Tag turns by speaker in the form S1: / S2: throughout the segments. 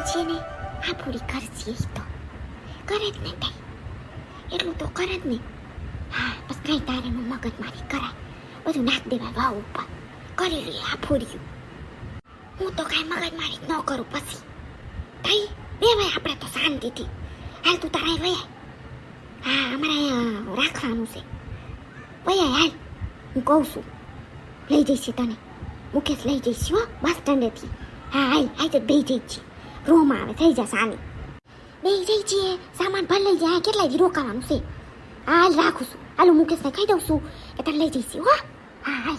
S1: છે ને આ પૂરી કરશે ઈ તો કરે જ ને તાઈ એટલું તો કરે જ ને. હા બસ કઈ તારે મગજ મારી કરાય બધું નાખ દેવાય વાવ ઉપર કરી લે આ પૂર્યું. હું તો કઈ મગજ મારી ન કરું પછી તાઈ દેવાય આપણે તો શાંતિથી. હાલ તું તારા વયા. હા અમારે અહીંયા રાખવાનું છે વયા હાલ. હું કહું છું લઈ જઈશ તને મુકેશ લઈ જઈશ હો બસ સ્ટેન્ડેથી. હા હાલ હાલ તો બે જઈ છીએ રૂમ આવે થઈ જશે આની બે જઈ છીએ સામાન ભર લઈ જાય કેટલા દી રોકાવાનું છે. હાલ રાખું છું હાલો મુકેશને કહી દઉં છું કે તને લઈ જઈશ હો. હા હાલ.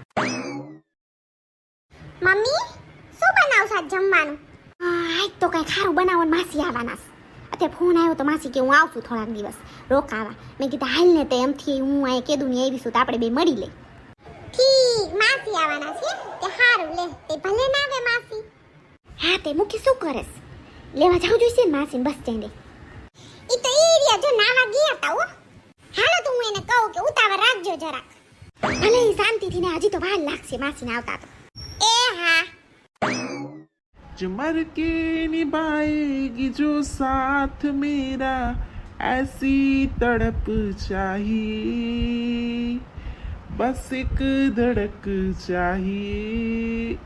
S1: મમ્મી શું બનાવશો આજ જમવાનું? આજ તો કઈ ખારું બનાવવાનું માસી આવવાના છે. અત્યારે ફોન આવ્યો તો માસી કે હું આવશું થોડાક દિવસ રોકાવા. મેં કીધું હાલ ને તે એમથી હું અહીંયા કેદું ને આવીશું તો આપણે બે મળી લે. ઠીક માસી આવવાના છે તે સારું લે તે ભલે ના આવે માસી. હા તે મૂકી શું કરેસ લેવા જાવ જોઈશે ને માસી બસ સ્ટેન્ડે. ઈ તો એરિયા જો નાવા ગયા તા હો. હાલો તો હું એને કહું કે ઉતાવળ રાખજો જરાક. ભલે શાંતિથી ને હજી તો વાર લાગશે માસીને આવતા તો. એ હા
S2: मर के निभाएगी जो साथ मेरा ऐसी तड़प चाहिए बस एक धड़क चाहिए.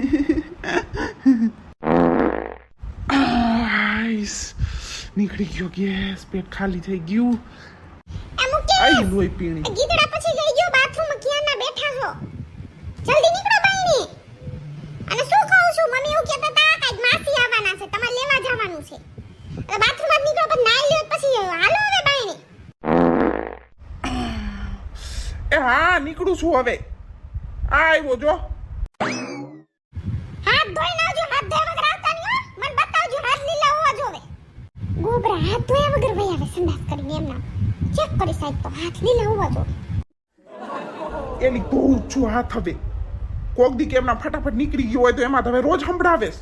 S2: નીકળી ગયો ગેસ પેટ ખાલી થઈ ગયું. આઈ લોહી પીણી
S1: ગીતડા પછી જઈ ગયો બાથરૂમમાં ક્યાં ના બેઠા છો જલ્દી નીકળો બાઈની. અને શું કહું છું મમ્મી એવું કહેતા હતા કે માસી આવવાના છે તમારે લેવા જવાનું છે એટલે બાથરૂમમાં નીકળો પછી નાઈ લ્યો પછી હાલો હવે બાઈની.
S2: એ હા નીકળું છું હવે. આવ્યો જો
S1: હાથ ધોઈ નાવજો હાથ ધોયા વગર આવતા નહીં હો. મને બતાવજો હાથ લીલા હોવા જોવે. ગોબરા હાથ ધોયા વગર વહી આવે સંડાસ કરીને એમના ચેક કરી સાહેબ તો હાથ લીલા હોવા જોવે.
S2: એની ધોઉં છું હાથ હવે. કોક દી કે એમના ફટાફટ નીકળી ગયો હોય તો એમાં હવે રોજ સંભળાવેશ.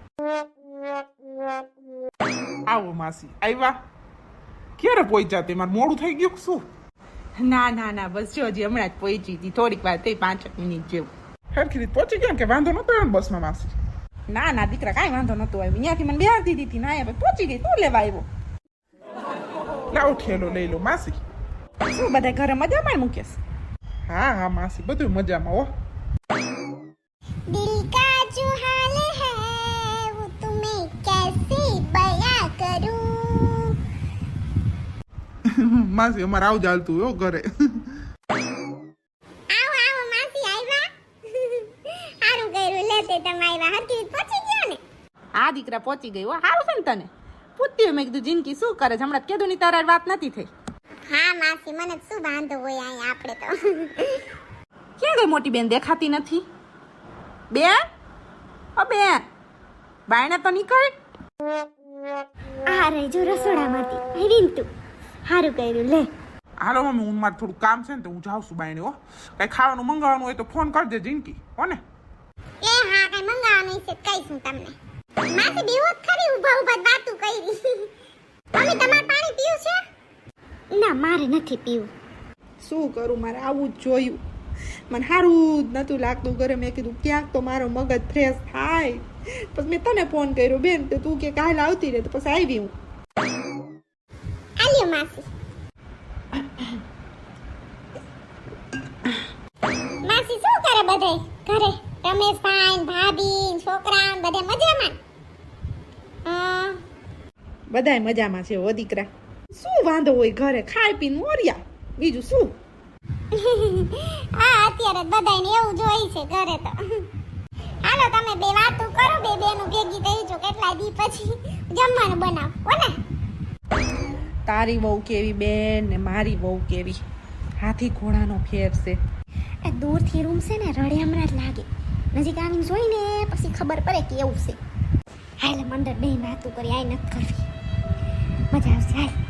S2: આવો માસી આવ્યા. ક્યારે પહોંચ્યા તે? મારે મોડું થઈ ગયું શું?
S3: ના ના ના બસ જો હજી હમણાં જ પહોંચી હતી થોડીક વાર થઈ 5 મિનિટ જેવું.
S2: હરખી રીતે પહોંચી ગયા ને કે વાંધો નતો આવ્યો બસમાં માસી?
S3: ના ના દીકરા કાંઈ વાંધો નતો આવ્યો. ત્યાંથી મને બેહાડી દીધી ના આવ્યા પહોંચી ગઈ. તું લેવા આવ્યો?
S2: લાવો ઠેલો લઈ લો માસી.
S3: શું બધા ઘરે મજામાં મુકેશ?
S2: હા હા માસી બધું મજામાં હો.
S1: दिल का जो हाल है वो तुम्हें कैसे बयां करूं.
S2: માસી અમારે આવું ચાલતું હો ઘરે.
S1: આવો આવો માસી આવ્યા. સારું કર્યું લેતે તમે આવ્યા હરકી પહોંચી ગયા ને.
S3: આ દીકરા પહોંચી ગઈ હો. સારું છે ને તને પૂછતી મેં કીધું જિંદગી શું કરે છે હમણાં કીધું ની તારા વાત નથી થઈ.
S1: હા માસી મને શું વાંધો હોય અહીંયા આપણે તો.
S3: ક્યાં ગઈ મોટી બેન દેખાતી નથી? બેન ઓ બેન બાયણે તો નીકળ.
S1: આ રે જો રસોડામાંથી આવીને તું સારું કર્યું લે.
S2: હાલો મમ્મી હું મારે થોડું કામ છે ને તો હું જાઉં છું બાયણે હો. કઈ ખાવાનું મંગાવવાનું હોય તો ફોન કરજે જિંદગી હો ને.
S1: એ હા કઈ મંગાવવાનું છે કહીશું તમને. માસી બેહોત ખરી ઊભા ઊભા વાતું કરી. મમ્મી તમારે પાણી પીવું છે? ના મારે નથી પીવું.
S3: શું કરું મારે આવું જ જોયું. મને સારું જ નતું લાગતું ઘરે. મેં કીધું ક્યાંક તો મારો મગજ ફ્રેશ થાય. પછી મેં તને ફોન કર્યો બેન તો તું કે કાલ આવતી રહે તો પછી આવી હું.
S1: આલ્યો માસી. માસી શું કરે બધે ઘરે? રમેશભાઈ ભાભી છોકરા બધે મજામાં?
S3: બધાય મજામાં છે હો દીકરા. શું વાંધો હોય ઘરે ખાઈ પીને મોર્યા બીજું શું.
S1: હા અત્યારે બધાને એવું જ હોય છે ઘરે તો. હાલો તમે બે વાતો કરો બે બેનું ભેગી થઈ જો કેટલા દી પછી જમવાનું બનાવ હો ને.
S3: તારી વહુ કેવી બેન ને મારી વહુ કેવી. હાથી ઘોડાનો ફેર છે.
S1: એ દૂરથી રૂમ છે ને રડે હમણાં જ લાગે. નજીક આવીને જોઈને પછી ખબર પડે કે એવું છે. હાલ મંડળ બે વાતો કરી આઈ નથી કરવી મજા આવશે હાલ.